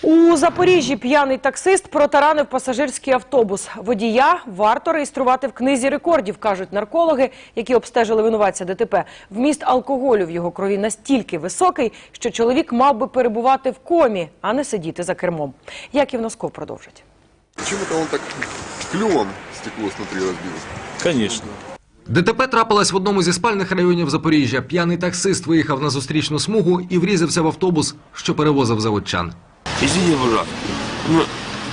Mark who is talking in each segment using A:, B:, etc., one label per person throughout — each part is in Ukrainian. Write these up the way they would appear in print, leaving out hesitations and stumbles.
A: У Запоріжжі п'яний таксист протаранив пасажирський автобус. Водія варто реєструвати в книзі рекордів, кажуть наркологи, які обстежили винуватця ДТП. Вміст алкоголю в його крові настільки високий, що чоловік мав би перебувати в комі, а не сидіти за кермом. Яків Носков продовжить.
B: Почему-то он так клювом стекло смотри разбил.
C: Конечно.
D: ДТП трапилось в одному зі спальних районів Запоріжжя. П'яний таксист виїхав на зустрічну смугу і врізався в автобус, що перевозив заводчан.
C: Извини, пожалуйста. Ну,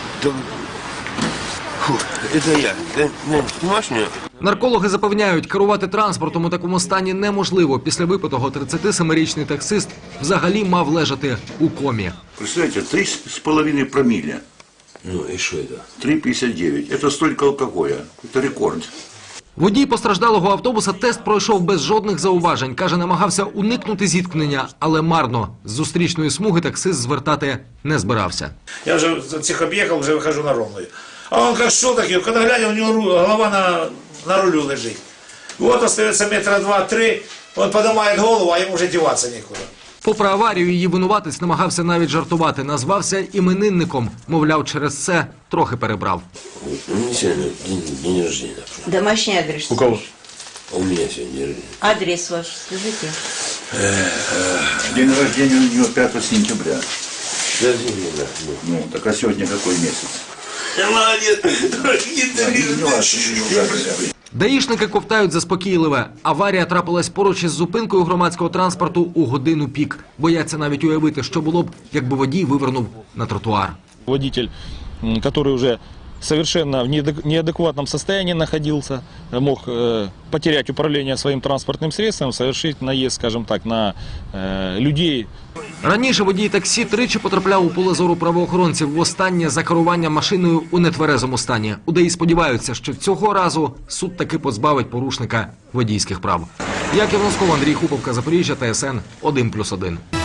C: это я. Ты снимаешь меня?
D: Наркологи запевняють, керувати транспортом у такому стані неможливо. Після випитого 37-річний таксист взагалі мав лежати у комі.
E: Представляете, 3,5 промилле.
C: Ну и что это?
E: 3,59. Это столько алкоголя. Это рекорд.
D: Водій постраждалого автобуса тест пройшов без жодних зауважень. Каже, намагався уникнути зіткнення, але марно. З зустрічної смуги таксист звертати не збирався.
F: Я уже всех объехал, уже выхожу на ровную. А он как шел, так и когда глядя, у него голова на рулю лежит. Вот остается метра 2-3, он поднимает голову, а ему уже деваться некуда.
D: Попри аварію, її винуватець намагався навіть жартувати. Назвався іменинником. Мовляв, через це трохи перебрав.
C: У меня сегодня день рождения.
G: Домашний адрес.
C: У кого? У меня сегодня день рождения.
G: Адрес ваш, скажите.
E: День рождения у него 5 сентября.
C: Подожди меня.
E: Ну, так а сегодня какой месяц?
C: Молодец.
D: Даїшники ковтають заспокійливе. Аварія трапилась поруч із зупинкою громадського транспорту у годину пік. Бояться навіть уявити, що було б, якби водій вивернув на тротуар.
H: Водитель, который уже совершенно в неадекватном состоянии находился, мог потерять управление своим транспортным средством, совершить наезд, скажем так, на людей.
D: Раніше водій таксі тричі потрапляв у поле зору правоохоронців. Востаннє за керуванням машиною у нетверезому стані. У ДАІ сподіваються, що цього разу суд таки позбавить порушника водійських прав. Яків Носков, Андрій Хуповка, Запоріжжя, ТСН 1+1.